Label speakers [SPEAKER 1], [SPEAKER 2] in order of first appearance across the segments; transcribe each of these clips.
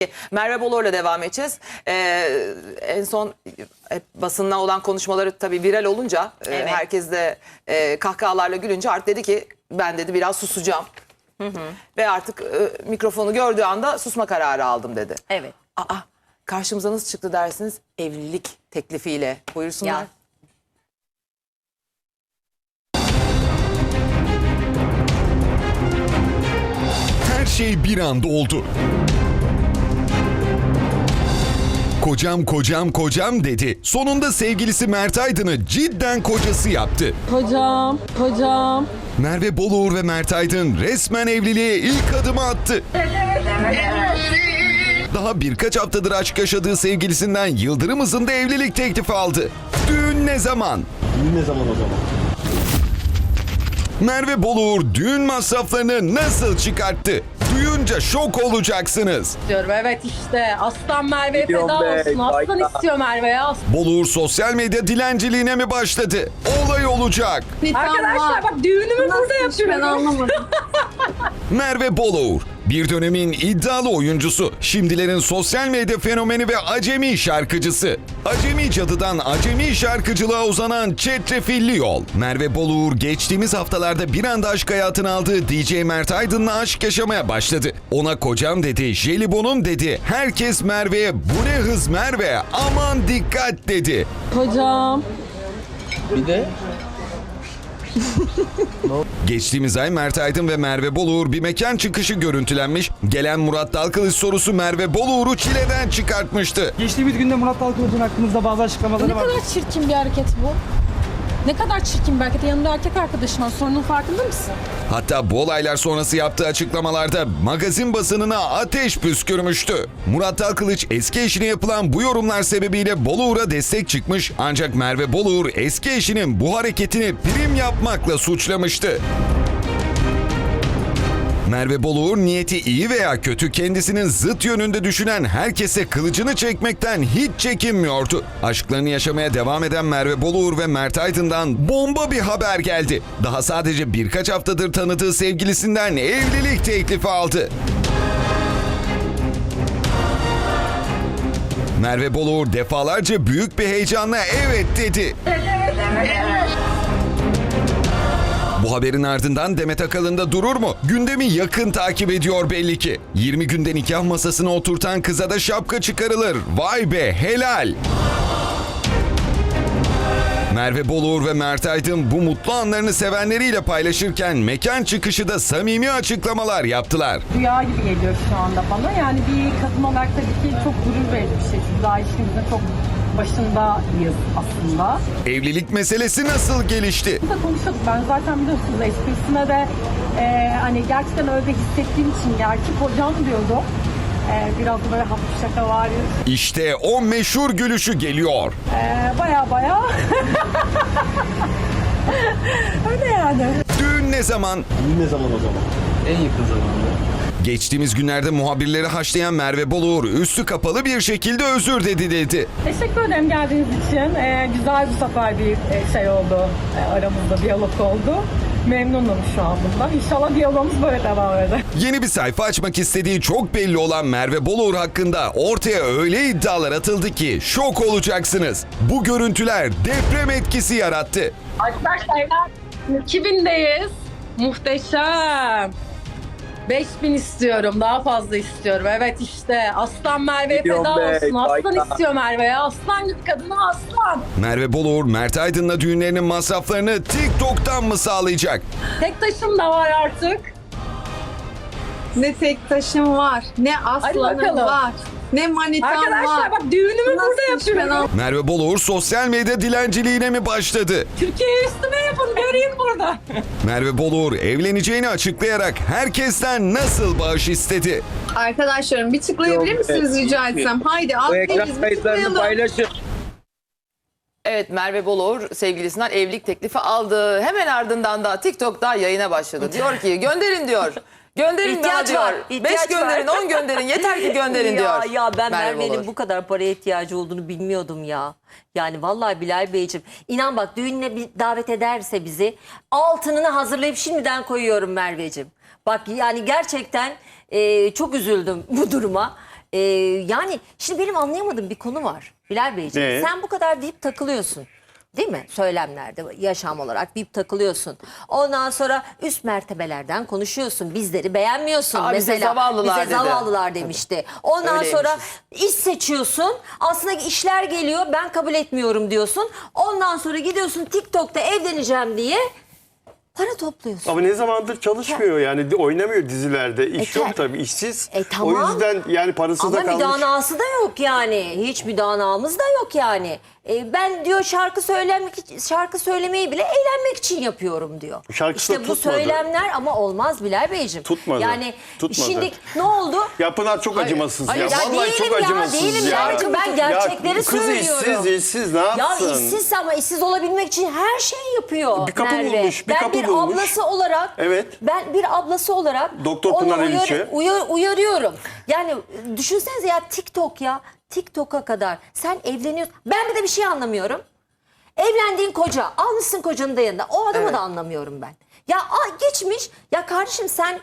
[SPEAKER 1] Merve Bolor'la devam edeceğiz. En son basınla olan konuşmaları tabii viral olunca
[SPEAKER 2] Evet.
[SPEAKER 1] herkes de kahkahalarla gülünce Art dedi ki ben dedi biraz susacağım. Ve artık mikrofonu gördüğü anda susma kararı aldım dedi.
[SPEAKER 2] Evet.
[SPEAKER 1] Karşımıza nasıl çıktı dersiniz? Evlilik teklifiyle. Buyursunlar.
[SPEAKER 2] Ya.
[SPEAKER 3] Her şey bir anda oldu. Kocam kocam kocam dedi. Sonunda sevgilisi Mert Aydın'ı cidden kocası yaptı.
[SPEAKER 4] Kocam.
[SPEAKER 3] Merve Boluğur ve Mert Aydın resmen evliliğe ilk adımı attı. Daha birkaç haftadır aşk yaşadığı sevgilisinden yıldırım hızında evlilik teklifi aldı. Düğün ne zaman?
[SPEAKER 5] Düğün ne zaman o zaman?
[SPEAKER 3] Merve Boluğur düğün masraflarını nasıl çıkarttı? Duyunca şok olacaksınız.
[SPEAKER 4] Diyorum evet işte aslan Merve'ye feda olsun. Aslan istiyor Merve'ye aslan.
[SPEAKER 3] Boluğur sosyal medya dilenciliğine mi başladı? Olay olacak.
[SPEAKER 4] Arkadaşlar bak düğünümü burada yapıyorum. Ben anlamadım.
[SPEAKER 3] Merve Boluğur, bir dönemin iddialı oyuncusu, şimdilerin sosyal medya fenomeni ve acemi şarkıcısı. Acemi cadıdan acemi şarkıcılığa uzanan çetrefilli yol. Merve Boluğur geçtiğimiz haftalarda bir anda aşk hayatını aldığı DJ Mert Aydın'la aşk yaşamaya başladı. Ona kocam dedi, jelibonum dedi. Herkes Merve'ye bu ne hız Merve, aman dikkat dedi.
[SPEAKER 4] Kocam.
[SPEAKER 5] Bir de
[SPEAKER 3] Geçtiğimiz ay Mert Aydın ve Merve Boluğur bir mekan çıkışı görüntülenmiş. Gelen Murat Dalkılıç sorusu Merve Boluğur'u çileden çıkartmıştı.
[SPEAKER 6] Geçtiğimiz günde Murat Dalkılıç'ın hakkınızda bazı
[SPEAKER 7] Ne
[SPEAKER 6] açıklamaları var.
[SPEAKER 7] kadar çirkin bir hareket bu. Ne kadar çirkin bir hareket. Yanında erkek arkadaşım var. Sorunun farkında mısın?
[SPEAKER 3] Hatta bu olaylar sonrası yaptığı açıklamalarda magazin basınına ateş püskürmüştü. Murat Dalkılıç eski eşine yapılan bu yorumlar sebebiyle Boluğur'a destek çıkmış, ancak Merve Boluğur eski eşinin bu hareketini prim yapmakla suçlamıştı. Merve Boluğur niyeti iyi veya kötü kendisinin zıt yönünde düşünen herkese kılıcını çekmekten hiç çekinmiyordu. Aşklarını yaşamaya devam eden Merve Boluğur ve Mert Aydın'dan bomba bir haber geldi. Daha sadece birkaç haftadır tanıdığı sevgilisinden evlilik teklifi aldı. Merve Boluğur defalarca büyük bir heyecanla evet dedi. Bu haberin ardından Demet Akalın da durur mu? Gündemi yakın takip ediyor belli ki. 20 günde nikah masasına oturtan kıza da şapka çıkarılır. Vay be helal. Merve Boluğur ve Mert Aydın bu mutlu anlarını sevenleriyle paylaşırken mekan çıkışı da samimi açıklamalar yaptılar.
[SPEAKER 4] Rüya gibi geliyor şu anda bana. Yani bir kadın olarak tabii ki çok gurur verici bir şey. Biz daha ilişkimizin çok başındayız aslında.
[SPEAKER 3] Evlilik meselesi nasıl gelişti?
[SPEAKER 4] Biz de konuşuyorduk. Ben zaten biliyorsunuz esprisine de hani gerçekten öyle hissettiğim için gerçek hocam diyordum. Biraz da böyle hafif şaka var.
[SPEAKER 3] İşte o meşhur gülüşü geliyor.
[SPEAKER 4] Baya. Öyle yani.
[SPEAKER 3] Düğün ne zaman?
[SPEAKER 5] düğün ne zaman o zaman? En yakın zamanda.
[SPEAKER 3] Geçtiğimiz günlerde muhabirleri haşlayan Merve Boluğur üstü kapalı bir şekilde özür dedi.
[SPEAKER 4] Teşekkür ederim geldiğiniz için. Güzel bu sefer bir şey oldu. Aramızda diyalog oldu. Memnunum şu an bundan. İnşallah diyalogumuz böyle devam eder.
[SPEAKER 3] Yeni bir sayfa açmak istediği çok belli olan Merve Boluğur hakkında ortaya öyle iddialar atıldı ki şok olacaksınız. Bu görüntüler deprem etkisi yarattı.
[SPEAKER 4] Arkadaşlar 2000'deyiz. Muhteşem. 5000 istiyorum. Daha fazla istiyorum. Evet işte. Aslan Merve'ye feda olsun. Aslan istiyor Merve'ye. Aslan gibi kadına aslan.
[SPEAKER 3] Merve Boluğur, Mert Aydın'la düğünlerinin masraflarını TikTok'tan mı sağlayacak?
[SPEAKER 4] Tek taşım da var artık.
[SPEAKER 8] Ne tek taşım var, ne aslanım
[SPEAKER 4] bakalım.
[SPEAKER 8] var, ne manitam var.
[SPEAKER 4] Arkadaşlar bak düğünümü
[SPEAKER 8] Nasıl
[SPEAKER 4] burada
[SPEAKER 8] hiç ben
[SPEAKER 4] yapıyorum.
[SPEAKER 3] Merve Boluğur sosyal medya dilenciliğine mi başladı?
[SPEAKER 4] Türkiye'ye üstüme yapın. Göreyim burada.
[SPEAKER 3] Merve Boluğur evleneceğini açıklayarak herkesten nasıl bağış istedi?
[SPEAKER 8] Arkadaşlarım bir tıklayabilir misiniz rica etsem? Haydi aferin bir tıklayalım.
[SPEAKER 5] paylaşın.
[SPEAKER 1] Evet, Merve Boluğur sevgilisinden evlilik teklifi aldı. Hemen ardından da TikTok'ta yayına başladı. Diyor ki gönderin diyor. Gönderin
[SPEAKER 2] İhtiyaç
[SPEAKER 1] diyor.
[SPEAKER 2] var,
[SPEAKER 1] 5
[SPEAKER 2] ihtiyaç
[SPEAKER 1] gönderin,
[SPEAKER 2] var.
[SPEAKER 1] 10 gönderin. Yeter ki gönderin diyor.
[SPEAKER 2] Ya ben
[SPEAKER 1] Merve
[SPEAKER 2] Merve'nin
[SPEAKER 1] Boluğur.
[SPEAKER 2] bu kadar paraya ihtiyacı olduğunu bilmiyordum ya. Yani vallahi Bilal Beyciğim, inan bak düğününe bir davet ederse bizi altınını hazırlayıp şimdiden koyuyorum Merveciğim. Bak yani gerçekten çok üzüldüm bu duruma. Yani şimdi benim anlayamadığım bir konu var Bilal Beyciğim.
[SPEAKER 9] Ne?
[SPEAKER 2] Sen bu kadar deyip takılıyorsun. Değil mi? Söylemlerde, yaşam olarak deyip takılıyorsun. Ondan sonra üst mertebelerden konuşuyorsun. Bizleri beğenmiyorsun.
[SPEAKER 1] Aa, bize
[SPEAKER 2] mesela
[SPEAKER 1] zavallılar
[SPEAKER 2] bize
[SPEAKER 1] dedi.
[SPEAKER 2] zavallılar demişti. Ondan
[SPEAKER 1] Öyleymişiz.
[SPEAKER 2] sonra iş seçiyorsun. Aslında işler geliyor. Ben kabul etmiyorum diyorsun. Ondan sonra gidiyorsun TikTok'ta evleneceğim diye para topluyorsun.
[SPEAKER 9] Ama ne zamandır çalışmıyor yani oynamıyor dizilerde. İş yok tabii işsiz.
[SPEAKER 2] Tamam.
[SPEAKER 9] O yüzden yani parası
[SPEAKER 2] Ama
[SPEAKER 9] da kalmış.
[SPEAKER 2] müdanası da yok yani. Hiç müdanamız da yok yani. Ben diyor şarkı söylemeyi bile eğlenmek için yapıyorum diyor.
[SPEAKER 9] Şarkısı da
[SPEAKER 2] İşte bu
[SPEAKER 9] tutmadı.
[SPEAKER 2] söylemler ama olmaz Bilal Beyciğim.
[SPEAKER 9] Tutmadı.
[SPEAKER 2] Yani
[SPEAKER 9] Tutmadı.
[SPEAKER 2] şimdi ne oldu?
[SPEAKER 9] Ya Pınar çok acımasız
[SPEAKER 1] hayır.
[SPEAKER 9] ya.
[SPEAKER 1] Ya
[SPEAKER 9] Vallahi
[SPEAKER 2] değilim
[SPEAKER 9] çok
[SPEAKER 2] ya,
[SPEAKER 9] acımasız
[SPEAKER 2] değilim
[SPEAKER 9] ya.
[SPEAKER 2] Bilal'cim, ben gerçekleri
[SPEAKER 9] ya, kız
[SPEAKER 2] söylüyorum.
[SPEAKER 9] işsiz ne yapsın?
[SPEAKER 2] Ya işsiz ama işsiz olabilmek için her şeyi yapıyor
[SPEAKER 9] Bir kapı
[SPEAKER 2] Merve.
[SPEAKER 9] bulmuş, bir
[SPEAKER 2] ben
[SPEAKER 9] kapı
[SPEAKER 2] bir
[SPEAKER 9] bulmuş.
[SPEAKER 2] ablası olarak
[SPEAKER 9] Evet.
[SPEAKER 2] ben bir ablası olarak
[SPEAKER 9] Doktor
[SPEAKER 2] onu
[SPEAKER 9] Pınar Eliçe.
[SPEAKER 2] uyarıyorum. Yani düşünsenize ya TikTok ya. TikTok'a kadar sen evleniyorsun. Ben bir de bir şey anlamıyorum. Evlendiğin koca, almışsın kocanın da yanında. O adamı da anlamıyorum ben. Ya geçmiş. Ya kardeşim sen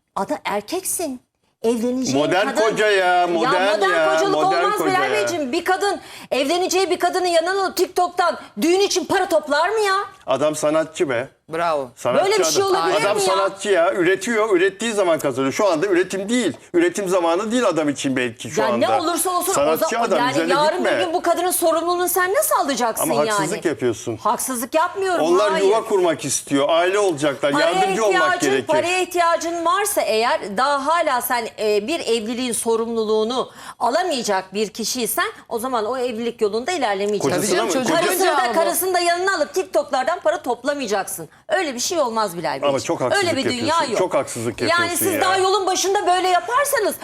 [SPEAKER 2] erkeksin. Evleneceğin
[SPEAKER 9] Modern
[SPEAKER 2] kadın.
[SPEAKER 9] koca ya, modern ya,
[SPEAKER 2] kocalık
[SPEAKER 9] modern
[SPEAKER 2] olmaz
[SPEAKER 9] koca
[SPEAKER 2] Bilal
[SPEAKER 9] ya.
[SPEAKER 2] Beyciğim. Bir kadın evleneceği bir kadının yanına alıp TikTok'tan düğün için para toplar mı ya?
[SPEAKER 9] Adam sanatçı be.
[SPEAKER 1] Bravo.
[SPEAKER 9] Sanatçı
[SPEAKER 2] Böyle bir şey
[SPEAKER 9] adam.
[SPEAKER 2] olabilir
[SPEAKER 9] Adam
[SPEAKER 2] mi ya?
[SPEAKER 9] sanatçı ya. Üretiyor. Ürettiği zaman kazanıyor. Şu anda üretim değil. Üretim zamanı değil adam için belki şu
[SPEAKER 2] Ya
[SPEAKER 9] anda.
[SPEAKER 2] ne olursa olsun
[SPEAKER 9] Sanatçı adam.
[SPEAKER 2] yani
[SPEAKER 9] Üzerine
[SPEAKER 2] yarın
[SPEAKER 9] gitme.
[SPEAKER 2] bir gün bu kadının sorumluluğunu sen nasıl alacaksın
[SPEAKER 9] Ama
[SPEAKER 2] yani?
[SPEAKER 9] haksızlık yapıyorsun.
[SPEAKER 2] Haksızlık yapmıyorum.
[SPEAKER 9] Onlar
[SPEAKER 2] hayır.
[SPEAKER 9] yuva kurmak istiyor. Aile olacaklar. Yardımcı olmak gerekir.
[SPEAKER 2] Paraya ihtiyacın varsa eğer daha hala sen bir evliliğin sorumluluğunu alamayacak bir kişiysen o zaman o evlilik yolunda ilerlemeyeceksin.
[SPEAKER 9] Kocasına
[SPEAKER 1] Tabii canım,
[SPEAKER 9] mı?
[SPEAKER 1] çocuk-
[SPEAKER 2] Karısını da yanına alıp TikTok'lardan para toplamayacaksın. Öyle bir şey olmaz Bilal Beyciğim.
[SPEAKER 9] Ama çok haksızlık
[SPEAKER 2] Öyle bir dünya
[SPEAKER 9] yapıyorsun.
[SPEAKER 2] yok.
[SPEAKER 9] Çok haksızlık
[SPEAKER 2] Yani
[SPEAKER 9] yapıyorsun
[SPEAKER 2] siz
[SPEAKER 9] ya.
[SPEAKER 2] daha yolun başında böyle yaparsanız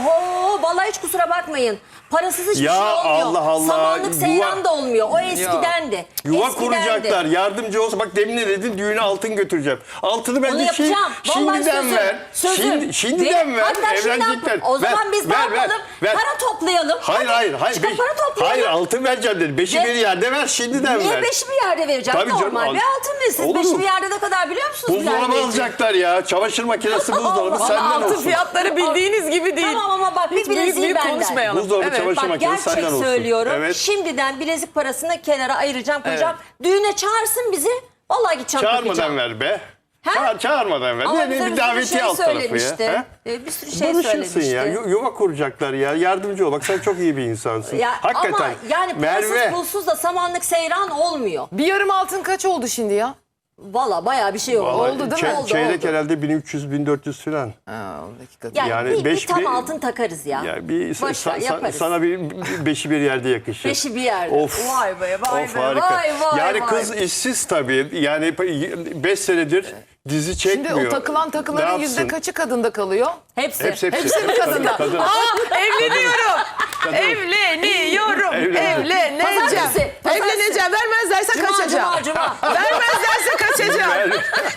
[SPEAKER 2] oho vallahi hiç kusura bakmayın. Parasız hiçbir
[SPEAKER 9] Ya
[SPEAKER 2] şey olmuyor.
[SPEAKER 9] Allah Allah,
[SPEAKER 2] Samanlık
[SPEAKER 9] yuva-
[SPEAKER 2] seyran da olmuyor. O eskidendi.
[SPEAKER 9] Yuva
[SPEAKER 2] Eskidendi.
[SPEAKER 9] kuracaklar. Yardımcı olsa bak demin ne dedin? Düğüne altın götüreceğim. Altını
[SPEAKER 2] Onu
[SPEAKER 9] bence
[SPEAKER 2] yapacağım. Vallahi
[SPEAKER 9] şimdiden
[SPEAKER 2] sözüm.
[SPEAKER 9] ver.
[SPEAKER 2] Sözüm.
[SPEAKER 9] Şimdiden ver.
[SPEAKER 2] Hatta şimdi
[SPEAKER 9] Evlenecekler.
[SPEAKER 2] o zaman
[SPEAKER 9] Ver,
[SPEAKER 2] biz ne
[SPEAKER 9] ver,
[SPEAKER 2] yapalım?
[SPEAKER 9] ver.
[SPEAKER 2] Para toplayalım.
[SPEAKER 9] Hayır.
[SPEAKER 2] Çıkıp para toplayalım.
[SPEAKER 9] Hayır altın vereceğim dedi. Beşi
[SPEAKER 2] Ne?
[SPEAKER 9] bir yerde ver şimdiden
[SPEAKER 2] Niye
[SPEAKER 9] ver.
[SPEAKER 2] beşi bir yerde vereceğim?
[SPEAKER 9] Tabii canım,
[SPEAKER 2] Normal bir altın verin. Siz
[SPEAKER 9] Olur
[SPEAKER 2] beşi
[SPEAKER 9] mu?
[SPEAKER 2] bir yerde ne kadar biliyor musunuz? Bilal
[SPEAKER 9] Buzdolabı
[SPEAKER 2] Beyciğim?
[SPEAKER 9] alacaklar ya. Çamaşır makinesi buzdolabı
[SPEAKER 2] Allah,
[SPEAKER 9] senden
[SPEAKER 1] Altın
[SPEAKER 9] olsun.
[SPEAKER 1] fiyatları bildiğiniz gibi değil.
[SPEAKER 2] Tamam ama bak bir
[SPEAKER 1] Hiç büyük
[SPEAKER 2] bileziği
[SPEAKER 1] büyük
[SPEAKER 2] benden.
[SPEAKER 1] konuşmayalım.
[SPEAKER 9] Buzdolabı,
[SPEAKER 1] Evet.
[SPEAKER 9] çamaşır
[SPEAKER 2] Bak
[SPEAKER 9] makinesi
[SPEAKER 2] gerçek
[SPEAKER 9] senden olsun.
[SPEAKER 2] söylüyorum.
[SPEAKER 9] Evet.
[SPEAKER 2] Şimdiden bilezik parasını kenara ayıracağım koyacağım. Düğüne çağırsın bizi. Vallahi gideceğim
[SPEAKER 9] Çağırmadan
[SPEAKER 2] takacağım.
[SPEAKER 9] ver be.
[SPEAKER 2] Ha?
[SPEAKER 9] Çağırmadan ver.
[SPEAKER 2] Ama
[SPEAKER 9] Ne
[SPEAKER 2] bize
[SPEAKER 9] bir
[SPEAKER 2] bir sürü
[SPEAKER 9] davetiye
[SPEAKER 2] şey
[SPEAKER 9] alt tarafı
[SPEAKER 2] söylemişti.
[SPEAKER 9] ya. Ha?
[SPEAKER 2] Bir sürü şey
[SPEAKER 9] Barışırsın
[SPEAKER 2] söylemişti.
[SPEAKER 9] ya. Yuva kuracaklar ya. Yardımcı ol. Bak sen çok iyi bir insansın.
[SPEAKER 2] Ya,
[SPEAKER 9] Hakikaten.
[SPEAKER 2] ama yani parasız
[SPEAKER 9] Merve.
[SPEAKER 2] pulsuz da samanlık seyran olmuyor.
[SPEAKER 1] Bir yarım altın kaç oldu şimdi ya?
[SPEAKER 2] Valla bayağı bir şey oldu.
[SPEAKER 9] Vallahi
[SPEAKER 1] Oldu değil mi?
[SPEAKER 2] Oldu,
[SPEAKER 9] Çeyrek
[SPEAKER 2] oldu.
[SPEAKER 9] herhalde 1300-1400 falan.
[SPEAKER 1] Ha, 10 dakika.
[SPEAKER 2] Yani,
[SPEAKER 9] Yani
[SPEAKER 2] bir
[SPEAKER 9] beş-
[SPEAKER 2] tam
[SPEAKER 9] bir-
[SPEAKER 2] altın takarız ya.
[SPEAKER 9] Ya bir
[SPEAKER 2] Boş ver, yaparız.
[SPEAKER 9] sana bir beşi bir yerde yakışır.
[SPEAKER 2] Beşi bir yerde.
[SPEAKER 9] Of.
[SPEAKER 2] Vay be vay
[SPEAKER 9] Of
[SPEAKER 2] be
[SPEAKER 9] harika.
[SPEAKER 2] vay vay
[SPEAKER 9] yani
[SPEAKER 2] vay.
[SPEAKER 9] kız işsiz tabii. Yani 5 senedir dizi çekmiyor.
[SPEAKER 1] Şimdi o takılan takıların
[SPEAKER 9] Ne
[SPEAKER 1] yüzde
[SPEAKER 9] yapsın?
[SPEAKER 1] kaçı kadında kalıyor?
[SPEAKER 2] Hepsi.
[SPEAKER 9] Hepsi.
[SPEAKER 1] Hepsi mi kadında?
[SPEAKER 9] Kadın.
[SPEAKER 1] Evleniyorum. Evleniyorum. Evleneceğim.
[SPEAKER 2] Pazartesi, pazartesi.
[SPEAKER 1] Evleneceğim. Vermezlerse
[SPEAKER 2] Cuma,
[SPEAKER 1] kaçacağım.
[SPEAKER 2] cuma.
[SPEAKER 1] Vermezlerse kaçacağım.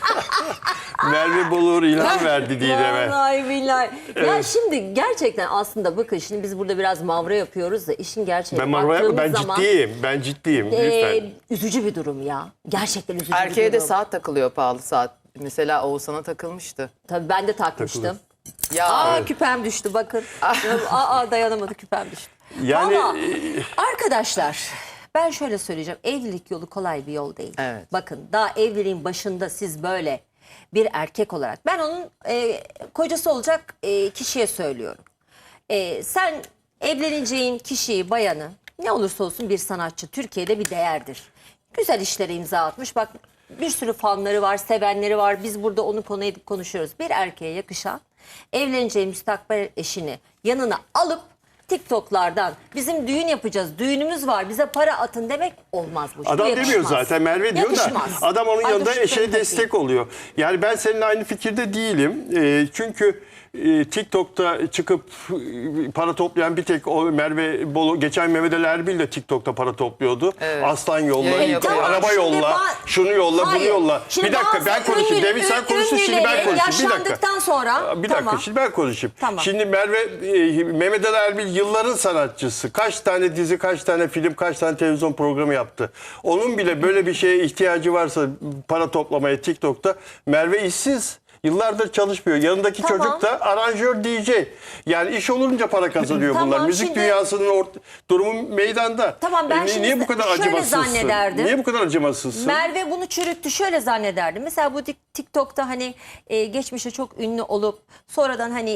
[SPEAKER 9] Merve Bolur ilham verdi Didem'e.
[SPEAKER 2] Vallahi billahi. Ya şimdi gerçekten aslında bakın şimdi biz burada biraz mavra yapıyoruz da işin gerçeği.
[SPEAKER 9] Ben ciddiyim. Ben ciddiyim. Lütfen.
[SPEAKER 2] Üzücü bir durum ya. Gerçekten üzücü bir
[SPEAKER 1] Erkeğe de
[SPEAKER 2] durum.
[SPEAKER 1] saat takılıyor, pahalı saat. Mesela Oğuzhan'a takılmıştı.
[SPEAKER 2] Tabii ben de takmıştım.
[SPEAKER 1] Ya
[SPEAKER 2] Aa küpem düştü bakın. Dayanamadı küpem düştü.
[SPEAKER 9] Yani
[SPEAKER 2] Ama arkadaşlar ben şöyle söyleyeceğim. Evlilik yolu kolay bir yol değil.
[SPEAKER 1] Evet.
[SPEAKER 2] Bakın daha evliliğin başında siz böyle bir erkek olarak ben onun kocası olacak kişiye söylüyorum. Sen evleneceğin kişiyi, bayanı ne olursa olsun bir sanatçı Türkiye'de bir değerdir. Güzel işlere imza atmış. Bak bir sürü fanları var, sevenleri var. Biz burada onu konu edip konuşuyoruz. Bir erkeğe yakışan evleneceği müstakbel eşini yanına alıp TikTok'lardan bizim düğün yapacağız, düğünümüz var, bize para atın demek olmaz bu.
[SPEAKER 9] Adam
[SPEAKER 2] Yakışmaz.
[SPEAKER 9] demiyor zaten, Merve diyor
[SPEAKER 2] Yakışmaz.
[SPEAKER 9] da adam onun
[SPEAKER 2] Ay,
[SPEAKER 9] yanında
[SPEAKER 2] dur şu
[SPEAKER 9] eşe
[SPEAKER 2] telefonu
[SPEAKER 9] destek oluyor. Yani ben seninle aynı fikirde değilim. Çünkü TikTok'ta çıkıp para toplayan bir tek o Merve Bolu, geçen Mehmet Ali Erbil de TikTok'ta para topluyordu.
[SPEAKER 1] Evet.
[SPEAKER 9] Aslan yolla,
[SPEAKER 1] Yayın yapıyor.
[SPEAKER 9] araba
[SPEAKER 2] Şimdi
[SPEAKER 9] yolla, şunu yolla, bunu
[SPEAKER 2] Hayır.
[SPEAKER 9] yolla.
[SPEAKER 2] Şimdi
[SPEAKER 9] bir dakika
[SPEAKER 2] bazı
[SPEAKER 9] ben konuşayım.
[SPEAKER 2] ünlü-
[SPEAKER 9] Demin sen konuştun, şimdi ben
[SPEAKER 2] ünlüleri
[SPEAKER 9] konuşayım. Bir dakika.
[SPEAKER 2] yaşlandıktan sonra
[SPEAKER 9] Bir dakika
[SPEAKER 2] tamam.
[SPEAKER 9] şimdi ben konuşayım.
[SPEAKER 2] Tamam.
[SPEAKER 9] Şimdi Merve, Mehmet Ali Erbil yılların sanatçısı. Kaç tane dizi, kaç tane film, kaç tane televizyon programı yaptı. Onun bile böyle bir şeye ihtiyacı varsa para toplamaya TikTok'ta, Merve işsiz. Yıllardır çalışmıyor. Yanındaki
[SPEAKER 2] Tamam.
[SPEAKER 9] çocuk da aranjör DJ. Yani iş olunca para kazanıyor
[SPEAKER 2] Tamam,
[SPEAKER 9] bunlar. Müzik
[SPEAKER 2] şimdi-
[SPEAKER 9] dünyasının durumu meydanda.
[SPEAKER 2] Tamam, ben
[SPEAKER 9] niye
[SPEAKER 2] şimdi
[SPEAKER 9] bu kadar
[SPEAKER 2] şöyle
[SPEAKER 9] acımasızsın?
[SPEAKER 2] zannederdim.
[SPEAKER 9] Niye bu kadar acımasızsın?
[SPEAKER 2] Merve bunu çürüttü. Şöyle zannederdim. Mesela bu TikTok'ta hani geçmişte çok ünlü olup sonradan hani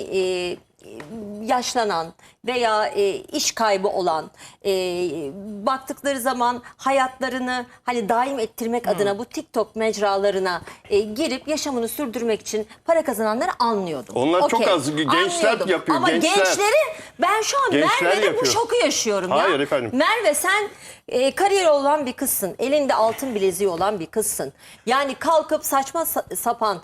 [SPEAKER 2] yaşlanan veya iş kaybı olan baktıkları zaman hayatlarını hani daim ettirmek adına bu TikTok mecralarına girip yaşamını sürdürmek için para kazananları anlıyordum.
[SPEAKER 9] Onlar çok
[SPEAKER 2] Okey,
[SPEAKER 9] az. Gençler
[SPEAKER 2] anlıyordum.
[SPEAKER 9] yapıyor,
[SPEAKER 2] Ama
[SPEAKER 9] gençler.
[SPEAKER 2] gençleri ben şu an
[SPEAKER 9] Gençler
[SPEAKER 2] Merve'de bu
[SPEAKER 9] yapıyor.
[SPEAKER 2] şoku yaşıyorum ya.
[SPEAKER 9] Hayır efendim.
[SPEAKER 2] Merve sen kariyeri olan bir kızsın. Elinde altın bileziği olan bir kızsın. Yani kalkıp saçma sapan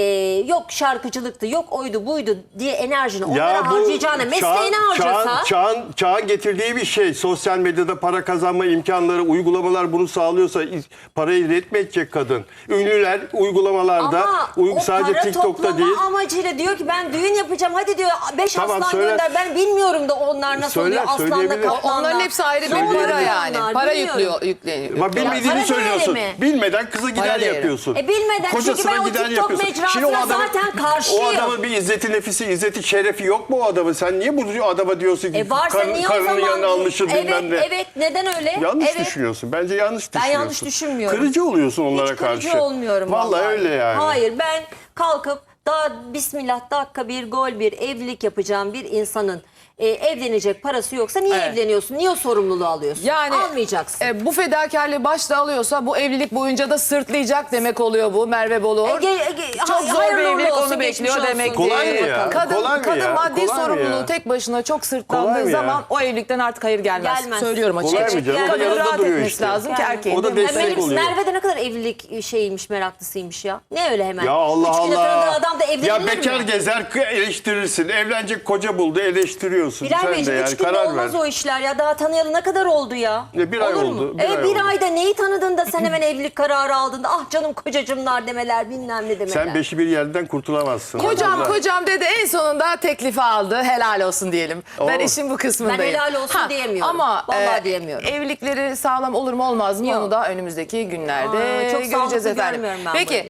[SPEAKER 2] yok şarkıcılıktı, yok oydu buydu diye enerjini onlara harcayacağına mesleğini harcasa.
[SPEAKER 9] Çağın getirdiği bir şey. Sosyal medyada para kazanma imkanları, uygulamalar bunu sağlıyorsa parayı üretmeyecek kadın. Ünlüler uygulamalarda
[SPEAKER 2] Ama o
[SPEAKER 9] sadece
[SPEAKER 2] para
[SPEAKER 9] TikTok'ta
[SPEAKER 2] toplama
[SPEAKER 9] değil.
[SPEAKER 2] amacıyla diyor ki ben düğün yapacağım. Hadi diyor 5
[SPEAKER 9] Tamam,
[SPEAKER 2] aslan
[SPEAKER 9] söyle.
[SPEAKER 2] gönder. Ben bilmiyorum da onlar nasıl
[SPEAKER 9] Söyler,
[SPEAKER 2] oluyor. Aslanla
[SPEAKER 9] söyleyebilir.
[SPEAKER 2] kaplanla.
[SPEAKER 1] Onların hepsi ayrı
[SPEAKER 2] Ne
[SPEAKER 1] bir
[SPEAKER 2] oluyor
[SPEAKER 1] para
[SPEAKER 2] onlar?
[SPEAKER 1] yani. Para
[SPEAKER 2] Bilmiyorum.
[SPEAKER 1] yükleniyor.
[SPEAKER 9] Bak bilmediğini
[SPEAKER 2] para
[SPEAKER 9] söylüyorsun.
[SPEAKER 2] değeri mi?
[SPEAKER 9] Bilmeden kıza gider
[SPEAKER 1] Para değeri.
[SPEAKER 9] yapıyorsun.
[SPEAKER 2] Bilmeden çünkü ben o TikTok mecrasına zaten karşıyım.
[SPEAKER 9] O adamın bir izzeti nefisi, izzeti şerefi yok mu o adamın? Sen niye bu adama diyorsun ki
[SPEAKER 2] Varsa niye o
[SPEAKER 9] karının
[SPEAKER 2] zaman?
[SPEAKER 9] yanına almışsın
[SPEAKER 2] Evet,
[SPEAKER 9] bilmem ne?
[SPEAKER 2] evet neden öyle?
[SPEAKER 9] Yanlış
[SPEAKER 2] evet.
[SPEAKER 9] düşünüyorsun. Bence yanlış
[SPEAKER 2] Ben
[SPEAKER 9] düşünüyorsun.
[SPEAKER 2] yanlış düşünmüyorum.
[SPEAKER 9] Kırıcı oluyorsun onlara
[SPEAKER 2] Hiç kırıcı
[SPEAKER 9] karşı.
[SPEAKER 2] olmuyorum
[SPEAKER 9] Vallahi öyle yani.
[SPEAKER 2] Hayır ben kalkıp daha bismillah dakika bir gol bir evlilik yapacağım bir insanın evlenecek parası yoksa niye
[SPEAKER 1] Evet.
[SPEAKER 2] evleniyorsun? Niye o sorumluluğu alıyorsun?
[SPEAKER 1] Yani
[SPEAKER 2] almayacaksın.
[SPEAKER 1] bu fedakarlığı başta alıyorsa bu evlilik boyunca da sırtlayacak demek oluyor bu Merve Boluğur. Çok zor bir
[SPEAKER 2] hayırlı
[SPEAKER 1] evlilik
[SPEAKER 2] olsun,
[SPEAKER 1] onu
[SPEAKER 2] geçmiş
[SPEAKER 1] bekliyor
[SPEAKER 2] olsun.
[SPEAKER 1] demek ki.
[SPEAKER 9] Kolay mı ya?
[SPEAKER 1] Kadın,
[SPEAKER 9] Kolay mı
[SPEAKER 1] kadın
[SPEAKER 9] ya?
[SPEAKER 1] maddi
[SPEAKER 9] Kolay mı
[SPEAKER 1] sorumluluğu
[SPEAKER 9] ya?
[SPEAKER 1] tek başına çok
[SPEAKER 9] Kolay
[SPEAKER 1] sırtlandığı
[SPEAKER 9] mı ya?
[SPEAKER 1] zaman o evlilikten artık hayır gelmez.
[SPEAKER 2] Gelmez.
[SPEAKER 1] Söylüyorum
[SPEAKER 9] Kolay
[SPEAKER 1] açıkçası.
[SPEAKER 9] mı canım? O da
[SPEAKER 1] Kadının
[SPEAKER 9] yanında
[SPEAKER 1] rahat
[SPEAKER 9] duruyor
[SPEAKER 1] etmesi
[SPEAKER 9] işte.
[SPEAKER 1] lazım ki
[SPEAKER 2] Yani.
[SPEAKER 1] erkeğin.
[SPEAKER 9] O da
[SPEAKER 1] değil mi?
[SPEAKER 9] destek oluyor.
[SPEAKER 2] Merve'de ne kadar evlilik şeymiş meraklısıymış ya. Ne öyle hemen?
[SPEAKER 9] Ya Allah
[SPEAKER 2] 3 güne
[SPEAKER 9] Allah.
[SPEAKER 2] tanıdığı adam da evlenilir
[SPEAKER 9] Ya
[SPEAKER 2] mi?
[SPEAKER 9] bekar gezer eleştirirsin. Evlenecek koca buldu eleştiriyorsun.
[SPEAKER 2] Bilal
[SPEAKER 9] Sen de
[SPEAKER 2] Beyciğim 3
[SPEAKER 9] yani
[SPEAKER 2] günde
[SPEAKER 9] karar ver.
[SPEAKER 2] olmaz o işler ya. Daha tanıyalı ne kadar oldu ya?
[SPEAKER 9] Bir ay
[SPEAKER 2] Olur
[SPEAKER 9] oldu,
[SPEAKER 2] mu?
[SPEAKER 9] bir ay
[SPEAKER 2] Bir
[SPEAKER 9] oldu.
[SPEAKER 2] ayda neyi tanıdın da sen hemen evlilik kararı aldın da ah canım kocacımlar demeler bilmem ne demeler.
[SPEAKER 9] Sen beşi bir yerden kurtulamazsın.
[SPEAKER 1] Kocam
[SPEAKER 9] Allah.
[SPEAKER 1] kocam dedi en sonunda teklifi aldı. Helal olsun diyelim. Ben
[SPEAKER 9] Oo.
[SPEAKER 1] işin bu kısmındayım.
[SPEAKER 2] Ben helal olsun diyemiyorum.
[SPEAKER 1] Ama
[SPEAKER 2] Vallahi diyemiyorum.
[SPEAKER 1] evlilikleri sağlam olur mu olmaz mı
[SPEAKER 2] Yok.
[SPEAKER 1] onu da önümüzdeki günlerde
[SPEAKER 2] Aa, çok
[SPEAKER 1] göreceğiz
[SPEAKER 2] sağlıklı
[SPEAKER 1] efendim.
[SPEAKER 2] görmüyorum ben
[SPEAKER 1] Peki.
[SPEAKER 2] bunu.